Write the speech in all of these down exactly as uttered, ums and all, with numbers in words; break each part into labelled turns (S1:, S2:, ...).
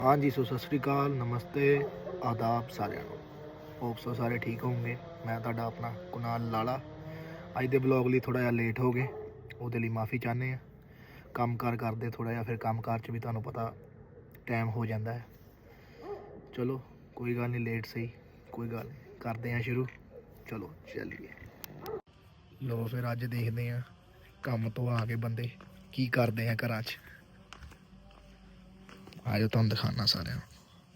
S1: हाँ जी सो सत श्री अकाल नमस्ते आदाब साਰਿਆਂ ਨੂੰ ਹੋਪ ਸੋ ਸਾਰੇ ਠੀਕ ਹੋਵੋਗੇ। मैं ਤੁਹਾਡਾ ਆਪਣਾ ਕੁਨਾਲ ਲਾਲਾ ਅੱਜ ਦੇ ਬਲੌਗ ਲਈ ਥੋੜਾ ਜਿਹਾ ਲੇਟ ਹੋ ਗਏ, ਉਹਦੇ ਲਈ ਮਾਫੀ ਚਾਹੁੰਦੇ ਆ। ਕੰਮ ਕਾਰ ਕਰਦੇ ਥੋੜਾ ਜਿਹਾ, ਫਿਰ ਕੰਮ ਕਾਰ 'ਚ ਵੀ ਤੁਹਾਨੂੰ ਪਤਾ ਟਾਈਮ ਹੋ ਜਾਂਦਾ ਹੈ। ਚਲੋ ਕੋਈ ਗੱਲ ਨਹੀਂ, ਲੇਟ ਸਹੀ ਕੋਈ ਗੱਲ ਨਹੀਂ, ਕਰਦੇ ਆ ਸ਼ੁਰੂ। ਚਲੋ ਚੱਲੀਏ। ਲੋ ਫਿਰ ਅੱਜ ਦੇਖਦੇ ਆ ਕੰਮ ਤੋਂ ਆ ਕੇ ਬੰਦੇ ਕੀ ਕਰਦੇ ਆ ਘਰਾਂ 'ਚ। ਆਜੋ ਤੁਹਾਨੂੰ ਦਿਖਾਣਾ ਸਾਰਿਆਂ ਨੂੰ।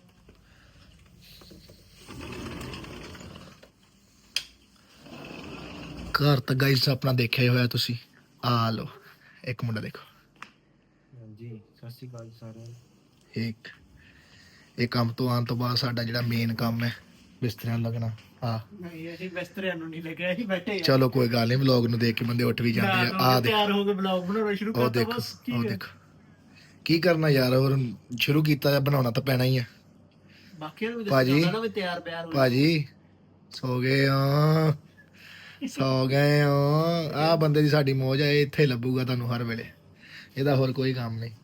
S1: ਘਰ ਤਾਂ ਗਾਈਸ ਆਪਣਾ ਦੇਖਿਆ ਹੀ ਹੋਇਆ ਤੁਸੀਂ। ਆ ਲੋ ਇੱਕ ਮੁੰਡਾ ਦੇਖੋ।
S2: ਹਾਂਜੀ ਸਤਿ ਸ਼੍ਰੀ ਅਕਾਲ ਸਾਰਿਆਂ ਨੂੰ।
S1: ਇੱਕ ਇਹ ਕੰਮ ਤੋਂ ਆਉਣ ਤੋਂ ਬਾਅਦ ਸਾਡਾ ਜਿਹੜਾ ਮੇਨ ਕੰਮ ਹੈ ਬਿਸਤਰਿਆਂ ਨੂੰ ਲੱਗਣਾ। ਆ
S2: ਨਹੀਂ ਅਸੀਂ ਬਿਸਤਰਿਆਂ ਨੂੰ ਨਹੀਂ ਲੱਗਿਆ, ਅਸੀਂ ਬੈਠੇ ਆ।
S1: ਚਲੋ ਕੋਈ ਗੱਲ ਨਹੀਂ, ਵਲੌਗ ਨੂੰ ਦੇਖ ਕੇ ਬੰਦੇ ਉੱਠ ਵੀ ਜਾਂਦੇ ਆ। ਆ
S2: ਤਿਆਰ ਹੋ ਕੇ ਵਲੌਗ ਬਣਾਉਣਾ ਸ਼ੁਰੂ
S1: ਉਹ
S2: ਕਰਤਾ।
S1: ਦੇਖੋ
S2: ਬਸ
S1: ਉਹ ਦੇਖੋ ਕੀ ਕਰਨਾ ਯਾਰ, ਹੋਰ ਸ਼ੁਰੂ ਕੀਤਾ ਜਾਂ ਬਣਾਉਣਾ ਤਾਂ ਪੈਣਾ ਹੀ ਆ।
S2: ਬਾਕੀਆਂ ਨੂੰ ਵੀ
S1: ਭਾਜੀ,
S2: ਦੱਸਣਾ ਨਾ ਵੀ ਤਿਆਰ ਬਿਆਰ ਹੋ।
S1: ਭਾਜੀ ਸੋ ਗਏ ਆ ਸੌ ਗਏ ਹੋ। ਆਹ ਬੰਦੇ ਦੀ ਸਾਡੀ ਮੌਜ ਹੈ, ਇਹ ਇੱਥੇ ਹੀ ਲੱਭੂਗਾ ਤੁਹਾਨੂੰ ਹਰ ਵੇਲੇ, ਇਹਦਾ ਹੋਰ ਕੋਈ ਕੰਮ ਨਹੀਂ।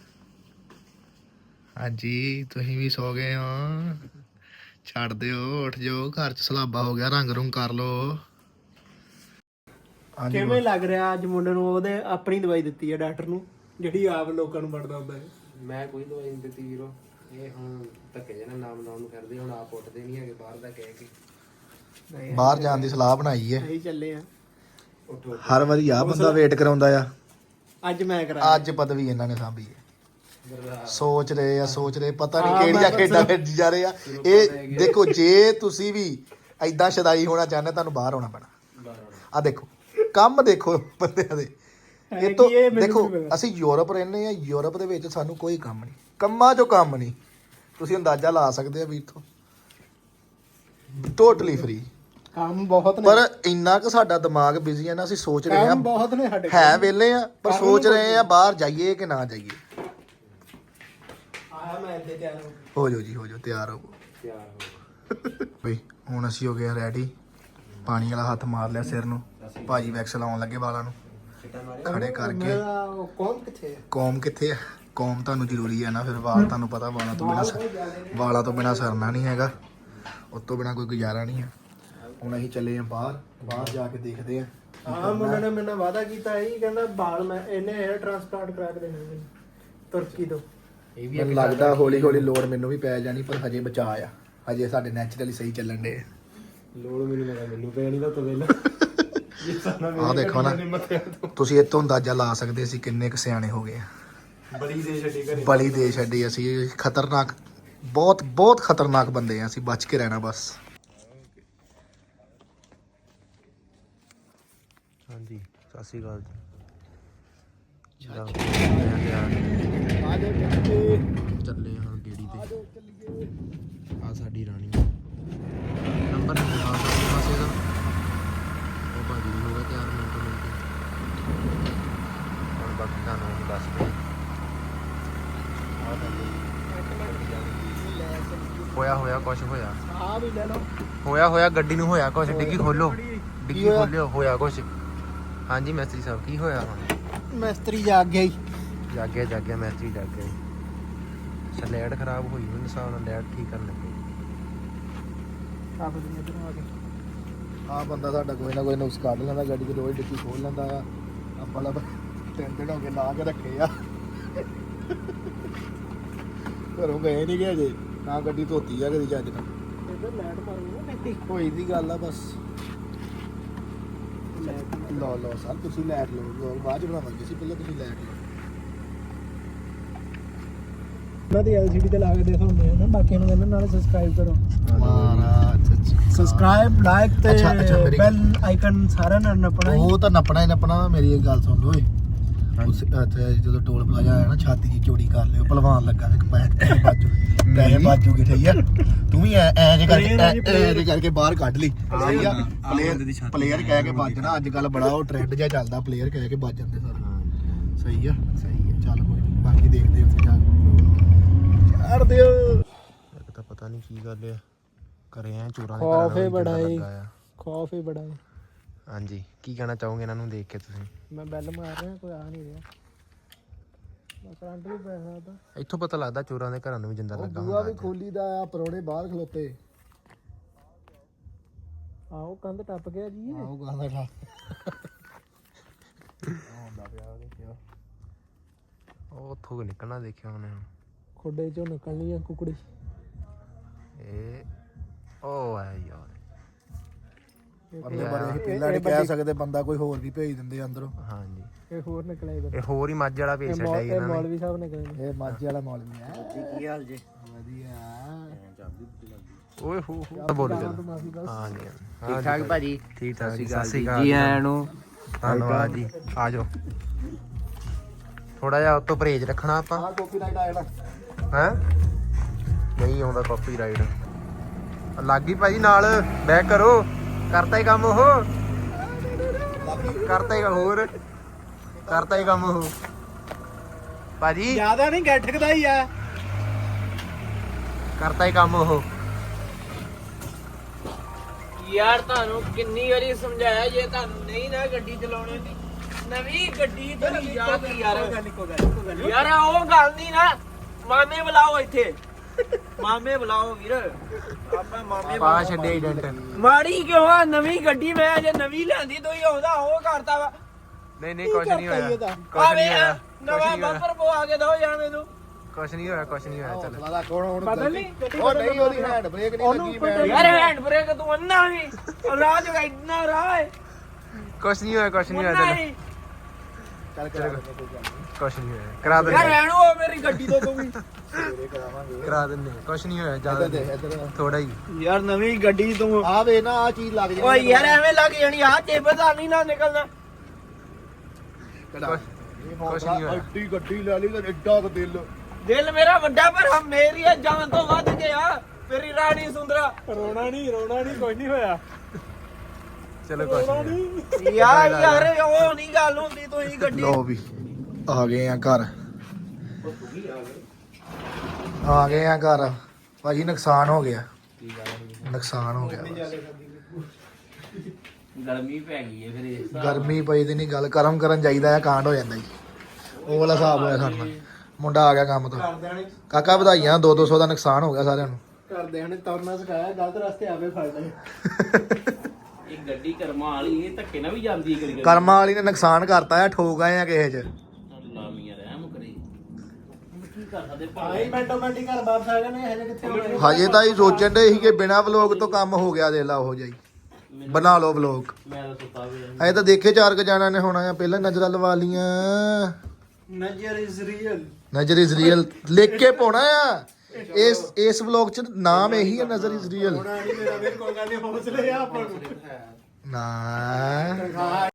S1: ਹਾਂਜੀ ਤੁਸੀਂ ਵੀ ਸੌ ਗਏ ਹੋ, ਛੱਡ ਦਿਓ ਉੱਠ ਜਾਓ, ਘਰ 'ਚ ਸਲਾਬਾ ਹੋ ਗਿਆ, ਰੰਗ ਰੁੰਗ ਕਰ ਲਓ।
S2: ਕਿਵੇਂ ਲੱਗ ਰਿਹਾ ਅੱਜ ਮੁੰਡੇ ਨੂੰ? ਉਹਦੇ ਆਪਣੀ ਦਵਾਈ ਦਿੱਤੀ ਹੈ ਡਾਕਟਰ ਨੂੰ, ਜਿਹੜੀ ਆਪ ਲੋਕਾਂ ਨੂੰ ਵੜਦਾ ਹੁੰਦਾ ਹੈ।
S3: ਮੈਂ ਕੋਈ ਦਵਾਈ ਨਹੀਂ ਦਿੱਤੀ ਵੀਰੋ, ਇਹ ਹੁਣ ਧੱਕੇ ਜਿਹੇ ਨਾਲ ਨਾਮ ਲਾਉਣ ਨੂੰ ਕਰਦੇ, ਹੁਣ ਆਪ ਉੱਠਦੇ ਨਹੀਂ ਹੈਗੇ ਬਾਹਰ ਦਾ ਕਹਿ ਕੇ।
S2: ਨਹੀਂ
S1: ਬਾਹਰ ਜਾਣ ਦੀ ਸਲਾਹ ਬਣਾਈ ਹੈ।
S2: ਅਸੀਂ ਚੱਲੇ ਆ।
S3: ਉੱਠੋ
S1: ਹਰ ਵਾਰੀ ਆ ਬੰਦਾ ਵੇਟ ਕਰਾਉਂਦਾ ਆ,
S2: ਅੱਜ ਮੈਂ ਕਰਾ
S1: ਅੱਜ ਪਦਵੀ ਇਹਨਾਂ ਨੇ ਸਾਂਭੀ ਹੈ। ਸੋਚ ਰਹੇ ਆ ਸੋਚ ਰਹੇ ਪਤਾ ਨਹੀਂ ਕਿਹੜੀਆਂ ਖੇਡਾਂ ਖੇਡੀ ਜਾ ਰਹੇ ਆ ਇਹ। ਦੇਖੋ ਜੇ ਤੁਸੀਂ ਵੀ ਐਦਾਂ ਸ਼ਦਾਈ ਹੋਣਾ ਚਾਹੁੰਦੇ, ਤੁਹਾਨੂੰ ਬਾਹਰ ਆਉਣਾ ਪੈਣਾ। ਆ ਦੇਖੋ ਕੰਮ ਦੇਖੋ ਬੰਦਿਆਂ ਦੇ। ਇਹ ਤੋਂ ਦੇਖੋ ਅਸੀਂ ਯੂਰਪ ਰਹਿੰਦੇ ਆ, ਯੂਰਪ ਦੇ ਵਿੱਚ ਸਾਨੂੰ ਕੋਈ ਕੰਮ ਨਹੀਂ, ਕੰਮਾਂ 'ਚੋਂ ਕੰਮ ਨਹੀਂ। ਤੁਸੀਂ ਅੰਦਾਜ਼ਾ ਲਾ ਸਕਦੇ ਆ ਵੀਰ ਤੋਂ, ਟੋਟਲੀ ਫ੍ਰੀ
S2: ਕੰਮ ਬਹੁਤ ਨੇ,
S1: ਪਰ ਇੰਨਾ ਕੁ ਸਾਡਾ ਦਿਮਾਗ ਬਿਜ਼ੀ ਹੈ ਨਾ, ਅਸੀਂ ਸੋਚ ਰਹੇ ਆ
S2: ਕੰਮ ਬਹੁਤ ਨੇ ਸਾਡੇ
S1: ਹੈ ਵਿਹਲੇ ਆ, ਪਰ ਸੋਚ ਰਹੇ ਆ ਬਾਹਰ ਜਾਈਏ ਕਿ ਨਾ ਜਾਈਏ।
S2: ਆਇਆ ਮੈਂ ਇੱਥੇ ਤਿਆਰ ਹੋ
S1: ਹੋ ਜਾਓ ਜੀ ਹੋ ਜਾਓ, ਤਿਆਰ ਹੋ
S3: ਤਿਆਰ ਹੋ।
S1: ਬਈ। ਹੁਣ ਅਸੀਂ ਹੋ ਗਏ ਰੈਡੀ, ਪਾਣੀ ਵਾਲਾ ਹੱਥ ਮਾਰ ਲਿਆ ਸਿਰ ਨੂੰ, ਭਾਜੀ ਵੈਕਸ ਲਾਉਣ ਲੱਗੇ ਵਾਲਾਂ ਨੂੰ ਖੜੇ ਕਰਕੇ।
S2: ਮੇਰਾ ਉਹ ਕੌਣ ਕਿੱਥੇ ਹੈ?
S1: ਕੌਮ ਕਿੱਥੇ ਆ? ਕੌਮ ਤੁਹਾਨੂੰ ਜ਼ਰੂਰੀ ਹੈ ਨਾ, ਫਿਰ ਵਾਲ ਤੁਹਾਨੂੰ ਪਤਾ ਵਾਲਾਂ ਤੋਂ ਬਿਨਾ ਵਾਲਾਂ ਤੋਂ ਬਿਨਾ ਸਰਨਾ ਨਹੀਂ ਹੈਗਾ, ਉਸ ਤੋਂ ਬਿਨਾ ਕੋਈ ਗੁਜ਼ਾਰਾ ਨਹੀਂ ਹੈ। ਹੁਣ ਅਸੀਂ ਚੱਲੇ ਆ ਬਾਹਰ, ਬਾਹਰ ਜਾ ਕੇ ਦੇਖਦੇ ਆ।
S2: ਹਾਂ ਮੁੰਡੇ ਨੇ ਮੇਰੇ ਨਾਲ ਵਾਅਦਾ ਕੀਤਾ ਸੀ, ਕਹਿੰਦਾ ਬਾਲ ਮੈਂ ਇਹਨੇ ਹੇਅਰ ਟ੍ਰਾਂਸਪਲਾਂਟ ਕਰਾ ਕੇ ਦੇਣਾ ਮੈਨੂੰ ਤੁਰਕੀ ਤੋਂ।
S3: ਇਹ ਵੀ
S1: ਮੈਨੂੰ ਲੱਗਦਾ ਹੌਲੀ ਹੌਲੀ ਲੋੜ ਮੈਨੂੰ ਵੀ ਪੈ ਜਾਣੀ, ਪਰ ਹਜੇ ਬਚਾ ਆ, ਹਜੇ ਸਾਡੇ ਨੈਚੁਰਲੀ ਸਹੀ ਚੱਲਣ ਦੇ।
S3: ਲੋੜ ਮੈਨੂੰ ਲੱਗਾ ਮੈਨੂੰ ਪੈਣੀ ਤਾਂ ਤੋਂ ਵੇਲਾ।
S1: ਆਹ ਦੇਖੋ ਨਾ, ਤੁਸੀਂ ਇਹ ਤੋਂ ਅੰਦਾਜ਼ਾ ਲਾ ਸਕਦੇ ਅਸੀਂ ਕਿੰਨੇ ਕੁ ਸਿਆਣੇ ਹੋ ਗਏ ਆ।
S3: ਬੜੀ ਦੇ ਛੱਡੀ ਘਰੇ,
S1: ਬਲੀ ਦੇ ਛੱਡੀ ਅਸੀਂ। ਖਤਰਨਾਕ, ਬਹੁਤ ਬਹੁਤ ਖਤਰਨਾਕ ਬੰਦੇ ਆ ਅਸੀਂ, ਬਚ ਕੇ ਰਹਿਣਾ ਬਸ।
S3: ਹਾਂਜੀ ਸਤਿ ਸ਼੍ਰੀ ਅਕਾਲ ਜੀ।
S2: ਆ ਜਾਓ
S3: ਚੱਲੇ ਹਾਂ ਗੇੜੀ ਤੇ। ਆ ਸਾਡੀ ਰਾਣੀ ਨੰਬਰ ਨਹੀਂ ਆ ਸਾਡੇ ਪਾਸੇ ਦਾ। ਉਹ ਭਾਜੀ ਵੀ ਹੋ ਗਿਆ ਤਿਆਰ ਮਿੰਟ ਮਿੰਟ। ਹੁਣ ਬਾਕੀ ਤੁਹਾਨੂੰ ਅਸੀਂ ਦੱਸ ਦੇ। ਹੋਇਆ ਹੋਇਆ ਕੁਛ ਹੋਇਆ
S2: ਆ ਵੀ ਲੈ ਲਓ।
S3: ਹੋਇਆ ਹੋਇਆ ਗੱਡੀ ਨੂੰ ਹੋਇਆ ਕੁਛ। ਡਿੱਗੀ ਖੋਲੋ, ਡਿੱਗੀ ਖੋਲਿਓ, ਹੋਇਆ ਕੁਛ। ਹਾਂਜੀ ਮਿਸਤਰੀ ਸਾਹਿਬ ਕੀ ਹੋਇਆ? ਹੁਣ
S2: ਮਿਸਤਰੀ ਜਾਗ ਗਿਆ ਹੀ।
S3: ਜਾਗਿਆ ਜਾਗਿਆ ਮਿਸਤਰੀ ਜਾਗ ਗਿਆ ਜੀ। ਲੈਟ ਖਰਾਬ ਹੋਈ ਮੈਨੂੰ ਹਿਸਾਬ ਨਾਲ, ਲੈਟ ਠੀਕ ਕਰਨ ਲੱਗੇ।
S2: ਆਪ ਦੁਨੀਆ ਤੋਂ ਆ ਕੇ
S1: ਆਹ ਬੰਦਾ ਸਾਡਾ ਕੋਈ ਨਾ ਕੋਈ ਨੁਕਸ ਕੱਢ ਲੈਂਦਾ, ਗੱਡੀ ਦੀ ਰੋਜ਼ ਡਿੱਕੀ ਖੋਲ ਲੈਂਦਾ ਆ। ਆਪਾਂ ਲੱਭ ਤਿੰਨ ਦਿਨ ਹੋ ਗਏ ਲਾ ਕੇ ਰੱਖੇ ਆ, ਘਰੋਂ ਗਏ ਨਹੀਂ ਗਏ ਅਜੇ ਨਾ, ਗੱਡੀ ਧੋਤੀ ਆ ਕਦੀ ਚੱਜ ਨਾਲ।
S2: ਇੱਧਰ ਲਾਈਟ ਮਾਰੂਗਾ ਨਾ ਮਿੱਟੀ।
S1: ਹੋਈ ਦੀ ਗੱਲ ਆ ਬਸ। ਲਓ ਲਓ ਸਰ ਤੁਸੀਂ ਲੈਟ ਲਓ, ਬਾਅਦ ਚ ਬਣਾਵਾਂਗੇ ਸੀ, ਪਹਿਲਾਂ ਤੁਸੀਂ ਲੈਟ ਲਓ।
S2: ਉਹਨਾਂ ਦੀ ਐਲਸੀਡੀ ਤੇ ਲਾ ਕੇ ਦੇਖੋ ਹੁੰਦੇ ਆ ਨਾ, ਬਾਕੀਆਂ ਨੂੰ ਕਹਿੰਦੇ ਨਾਲ ਸਬਸਕ੍ਰਾਈਬ ਕਰੋ।
S1: ਮਹਾਰਾਜ
S2: ਸਬਸਕ੍ਰਾਈਬ ਲਾਈਕ ਤੇ
S1: ਅੱਛਾ, ਅੱਛਾ, ਮੇਰੀ-
S2: ਬੈਲ ਆਈਕਨ ਸਾਰਿਆਂ ਨੇ ਨੱਪਣਾ ਹੀ।
S1: ਉਹ ਤਾਂ ਨੱਪਣਾ ਹੀ ਨੱਪਣਾ। ਮੇਰੀ ਇੱਕ ਗੱਲ ਸੁਣ ਲਓ ਓਏ, ਉਸ ਇੱਥੇ ਜਦੋਂ ਟੋਲ ਪਲਾਜ਼ਾ ਆਇਆ ਨਾ, ਛਾਤੀ ਦੀ ਚੋੜੀ ਕਰ ਲਿਓ, ਭਲਵਾਨ ਲੱਗਾ ਇੱਕ ਪੈਸੇ ਬਾਜੂ ਪੈਸੇ ਬਾਜੂਗੇ ਠੀਕ ਆ। ਤੂੰ ਵੀ ਐ ਐ ਜੇ ਕਰਕੇ ਐ ਜੇ ਕਰਕੇ ਬਾਹਰ ਕੱਢ ਲਈ, ਸਹੀ ਆ। ਪਲੇਅਰ ਪਲੇਅਰ ਕਹਿ ਕੇ ਵੱਜਣਾ ਅੱਜ ਕੱਲ ਬੜਾ ਉਹ ਟ੍ਰੈਂਡ ਜਿਹਾ ਚੱਲਦਾ, ਪਲੇਅਰ ਕਹਿ ਕੇ ਵੱਜ ਜਾਂਦੇ ਸਾਰੇ। ਸਹੀ ਆ ਸਹੀ ਆ, ਚੱਲ ਕੋਈ ਨਹੀਂ, ਬਾਕੀ ਦੇਖਦੇ ਉੱਥੇ ਜਾ ਕੇ ਛੱਡ ਦਿਓ।
S3: ਇੱਕ ਤਾਂ ਪਤਾ ਨਹੀਂ ਕੀ ਗੱਲ ਆ, ਘਰੇ ਆ ਚੋਰਾਂ ਦੇ
S2: ਖੌਫ
S3: ਘਰਾਂ
S2: ਹੀ ਬੜਾ ਏ,
S3: ਲੱਗਾ ਆ।
S2: ਖੌਫ ਹੀ ਬੜਾ ਏ।
S3: ਹਾਂਜੀ ਕੀ ਕਹਿਣਾ ਚਾਹੋਗੇ ਇਹਨਾਂ ਨੂੰ ਦੇਖ ਕੇ ਤੁਸੀਂ?
S2: ਮੈਂ ਬੈਲ ਮਾਰ ਰਿਹਾ, ਕੋਈ ਆ ਨਹੀਂ ਰਿਹਾ। ਕਰੰਟ ਵੀ ਪੈ ਸਕਦਾ।
S3: ਇੱਥੋਂ ਪਤਾ ਲੱਗਦਾ ਚੋਰਾਂ ਦੇ ਘਰਾਂ ਨੂੰ ਵੀ ਜਿੰਦਾ ਲੱਗਾ
S1: ਬੂਆ ਵੀ
S3: ਹੁੰਦਾ
S1: ਖੋਲੀ ਦਾ ਆ, ਪਰੋੜੇ ਬਾਹਰ ਖਲੋਤੇ।
S2: ਆਓ ਕੰਧ ਟੱਪ ਗਿਆ ਜੀ ਇਹ।
S1: ਆਓ ਗਾਂਦਾ ਠਾ ਆਉਂਦਾ ਪਿਆ ਦੇਖਿਆ।
S3: ਉਹ ਉੱਥੋਂ ਕੁ ਨਿਕਲਣਾ ਦੇਖਿਆ ਉਹਨੇ
S2: ਖੁੱਡੇ ਚੋਂ ਨਿਕਲਣੀ ਆ ਕੁਕੜੀ।
S3: ਇਹ ਉਹ ਆ ਯਾਰ
S1: ਬੰਦੇ ਬਾਰੇ ਅਸੀਂ ਪਹਿਲਾਂ ਨਹੀਂ ਕਹਿ ਸਕਦੇ, ਬੰਦਾ ਕੋਈ ਹੋਰ ਵੀ ਭੇਜ ਦਿੰਦੇ ਅੰਦਰੋਂ।
S3: ਹਾਂਜੀ
S2: ਇਹ ਹੋਰ ਨਿਕਲਿਆ ਇਧਰ।
S3: ਇਹ ਹੋਰ ਹੀ ਮੱਝ ਵਾਲਾ ਭੇਜ ਛੱਡਿਆ ਜੀ
S2: ਇਹ
S3: ਇਹਨਾਂ ਨੇ।
S2: ਮੌਲਵੀ ਸਾਹਿਬ ਨਿਕਲੇ।
S1: ਇਹ ਮਾਝੇ ਵਾਲਾ ਮੌਲਵੀ ਹੈ ਜੀ। ਕੀ ਹਾਲ ਜੀ? ਵਧੀਆ।
S3: ਓਏ ਹੋ ਹੋ ਬੋਲ ਚੱਲ।
S2: ਮਾਫੀ ਬਸ।
S3: ਹਾਂਜੀ
S4: ਠੀਕ ਠਾਕ ਭਾਜੀ।
S3: ਠੀਕ ਠਾਕ ਜੀ,
S4: ਸਤਿ
S3: ਸਤਿ
S4: ਸ਼੍ਰੀ
S3: ਸ਼੍ਰੀ
S4: ਅਕਾਲ
S3: ਅਕਾਲ
S4: ਜੀ ਆਇਆਂ ਨੂੰ।
S3: ਧੰਨਵਾਦ ਜੀ, ਆ ਜਾਓ। ਥੋੜਾ ਜਿਹਾ ਉਤੋਂ ਪਰਹੇਜ ਰੱਖਣਾ ਆਪਾਂ।
S1: ਆਹ ਕਾਪੀਰਾਈਟ ਆ ਜਿਹੜਾ।
S3: ਹੈ ਨਹੀਂ ਆਉਂਦਾ ਕਾਪੀਰਾਈਟ। ਲੱਗ ਗਈ ਭਾਜੀ ਨਾਲ, ਬੈਕ ਕਰੋ। ਕਰਤਾ ਹੀ ਕੰਮ ਉਹ, ਕਰਤਾ ਹੀ ਹੋਰ ਕਰਤਾ ਹੀ ਕੰਮ ਉਹ ਭਾਜੀ,
S2: ਜ਼ਿਆਦਾ ਨਹੀਂ ਗੱਠਕਦਾ ਹੀ ਆ।
S3: ਕਰਤਾ ਹੀ ਕੰਮ ਉਹ।
S4: ਯਾਰ ਤੁਹਾਨੂੰ ਕਿੰਨੀ ਵਾਰੀ ਸਮਝਾਇਆ, ਜੇ ਤੁਹਾਨੂੰ ਨਹੀਂ ਨਾ ਗੱਡੀ ਚਲਾਉਣੀ ਦੀ ਨਵੀਂ ਗੱਡੀ ਤੇਰੀ ਯਾਦ ਯਾਰ ਯਾਰ ਉਹ ਗੱਲ ਨਹੀਂ ਨਾ। ਮਾਮੇ ਬੁਲਾਓ ਇੱਥੇ, ਮਾਮੇ ਬੁਲਾਓ ਵੀਰ। ਆਪਾਂ ਮਾਮੇ
S3: ਪਾ ਛੱਡਿਆ ਏਜੰਟ।
S4: ਮਾੜੀ ਕਿਉਂ ਆ? ਨਵੀਂ ਗੱਡੀ ਮੈਂ ਅਜੇ ਨਵੀਂ ਲਿਆਂਦੀ, ਤੁਸੀਂ ਉਹਦਾ ਉਹ ਕਰਤਾ ਵਾ।
S3: ਨਹੀਂ ਨਹੀਂ ਕੁਛ ਨਹੀਂ ਹੋਇਆ, ਕੁਛ
S4: ਆਵੇ
S3: ਨਹੀਂ ਹੋਇਆ,
S4: ਨਵਾਂ
S3: ਕੁਛ ਨਹੀਂ ਹੋਇਆ,
S4: ਬੰਪਰ ਪਵਾ ਕੇ ਦੋ ਯਾਰ ਮੈਨੂੰ।
S3: ਕੁਛ ਨਹੀਂ ਹੋਇਆ, ਕੁਛ ਨਹੀਂ ਹੋਇਆ। ਚੱਲ
S1: ਹੌਸਲਾ ਕੌਣ ਹੁਣ
S2: ਬਦਲ ਨਹੀਂ
S1: ਉਹ ਨਹੀਂ, ਉਹਦੀ ਹੈਂਡ ਬ੍ਰੇਕ ਨਹੀਂ ਲੱਗੀ। ਮੈਂ
S4: ਯਾਰ ਹੈਂਡ ਬ੍ਰੇਕ ਤੂੰ ਅੰਨਾ ਵੀ ਰਾਜ ਇੰਨਾ ਰਾਹ ਹੈ
S3: ਕੁਛ ਨਹੀਂ ਹੋਇਆ, ਕੁਛ ਨਹੀਂ ਹੋਇਆ।
S4: ਅੰਨਾ
S3: ਚੱਲ
S4: ਹੀ।
S1: ਚੱਲ ਕਰਾ ਦਿੰਦੇ ਕੋਈ ਗੱਲ ਨਹੀਂ।
S3: ਕੁਛ ਨਹੀਂ ਹੋਇਆ, ਕਰਾ
S4: ਯਾਰ
S3: ਦਿੰਦੇ
S4: ਰਹਿਣ ਉਹ ਮੇਰੀ ਗੱਡੀ ਤੋਂ ਤੂੰ ਵੀ।
S1: ਸਵੇਰੇ ਕਰਾਵਾਂਗੇ।
S3: ਕਰਾ ਦਿੰਦੇ ਕੁਛ ਨਹੀਂ ਹੋਇਆ,
S1: ਇੱਧਰ
S3: ਜ਼ਿਆਦਾ
S1: ਦੇ
S3: ਨਹੀਂ,
S1: ਇੱਧਰ
S3: ਥੋੜਾ ਹੀ।
S4: ਯਾਰ ਨਵੀਂ ਗੱਡੀ ਤੂੰ
S1: ਆ ਵੇ ਨਾ, ਆ ਚੀਜ਼ ਲੱਗ
S4: ਓਏ ਯਾਰ ਐਵੇਂ ਲੱਗ ਜਾਣੀ ਆ ਚੇਬਦਾ ਨਹੀਂ ਨਾ ਨਿਕਲਣਾ।
S1: ਕੁਛ
S3: ਕੁਛ ਨਹੀਂ ਹੋਇਆ।
S1: ਐਡੀ ਗੱਡੀ ਲੈ ਲਈ ਤੇ ਐਡਾ ਕੁ ਦਿਲ।
S4: ਦਿਲ ਮੇਰਾ ਵੱਡਾ ਪਰ ਹਮ ਮੇਰੀ ਇਹ ਜਾਨ ਤੋਂ ਵੱਧ ਗਿਆ। ਮੇਰੀ ਰਾਣੀ ਸੁੰਦਰਾ।
S2: ਰੋਣਾ ਨਹੀਂ, ਰੋਣਾ ਨਹੀਂ, ਕੋਈ ਨਹੀਂ ਹੋਇਆ।
S3: ਚਲੋ ਕੁਛ ਨਹੀਂ ਹੋਇਆ।
S4: ਯਾਰ ਯਾਰ ਉਹ ਨਹੀਂ ਗੱਲ ਹੁੰਦੀ, ਤੁਸੀਂ ਗੱਡੀ
S1: ਲੋ ਵੀ ਆ ਗਏ ਆ ਘਰ, ਆ ਗਏ ਆ ਘਰ। ਭਾਜੀ ਨੁਕਸਾਨ ਹੋ ਗਿਆ, ਨੁਕਸਾਨ ਹੋ ਗਿਆ ਬਸ।
S4: ਗਰਮੀ ਪੈ ਗਈ ਹੈ ਫਿਰ।
S1: ਗਰਮੀ ਪਈ ਦੀ ਨਹੀਂ ਗੱਲ, ਕਰਮ ਕਰਨ ਜਾਈਦਾ ਆ, ਕਾਂਡ ਹੋ ਜਾਂਦਾ ਜੀ। ਉਹ ਵਾਲਾ ਹਿਸਾਬ ਹੋਇਆ ਸਾਡੇ ਨਾਲ। ਮੁੰਡਾ ਆ ਗਿਆ ਕੰਮ ਤੋਂ।
S2: ਘਰਦਿਆਂ ਨੇ
S1: ਕਾਕਾ ਵਧਾਈਆਂ, ਦੋ ਦੋ ਸੌ ਦਾ ਨੁਕਸਾਨ ਹੋ ਗਿਆ ਸਾਰਿਆਂ ਨੂੰ।
S2: ਘਰਦਿਆਂ ਨੇ ਤੁਰਨਾ ਸਿਖਾਇਆ, ਗਲਤ ਰਸਤੇ ਆਵੇ ਫੜ ਲਏ।
S4: ਇਹ ਗੱਡੀ ਕਰਮਾਂ ਵਾਲੀ ਇਹ ਧੱਕੇ ਨਾਲ ਵੀ ਜਾਂਦੀ ਕਰੀ ਕਰੀ।
S1: ਕਰਮਾਂ ਵਾਲੀ ਨੇ ਨੁਕਸਾਨ ਕਰਤਾ ਆ, ਠੋਕ ਆਏ ਆ ਕਿਸੇ ਚ।
S4: ਲਾਮੀਆਂ ਰਹਿਮ ਕਰੀ। ਹੁਣ ਕੀ ਕਰ ਸਕਦੇ
S2: ਆਈ
S4: ਭਾਈ?
S2: ਮਿੰਟੋ ਮਿੰਟੀ ਘਰ ਵਾਪਸ ਆ ਗਏ ਨੇ। ਹਜੇ ਕਿੱਥੇ ਹੋਣੇ?
S1: ਹਜੇ ਤਾਂ ਹੀ ਸੋਚਣ ਦੇ ਸੀ ਕਿ ਬਿਨਾ ਵਲੋਗ ਤੋਂ ਕੰਮ ਹੋ ਗਿਆ। ਦੇਖ ਲਾ ਉਹ ਜਾਈ, ਬਣਾ ਲਓ ਵਲੋਗ।
S4: ਮੈਂ ਤਾਂ ਸੁੱਤਾ ਵੀ
S1: ਅਜੇ ਤਾਂ ਦੇਖੇ ਚਾਰ ਕ ਜਾਣਾ ਨੇ ਹੋਣਾ ਆ, ਪਹਿਲਾਂ ਨਜ਼ਰਾਂ ਲਵਾ ਲੀਆਂ।
S2: Nazar is real.
S1: Nazar is real ਲਿਖ ਕੇ ਪਾਉਣਾ ਆ। ਇਸ ਇਸ ਵਲੌਗ ਚ ਨਾਮ ਇਹੀ ਹੈ, ਨਜ਼ਰ ਇਜ਼ ਰੀਅਲ।
S2: ਹੋਣਾ ਨਹੀਂ ਮੇਰਾ, ਮੇਰੇ ਕੋਲ ਗੱਲ ਨਹੀਂ, ਹੌਸਲੇ ਆ ਆਪਾਂ ਨੂੰ।
S1: ਨਾ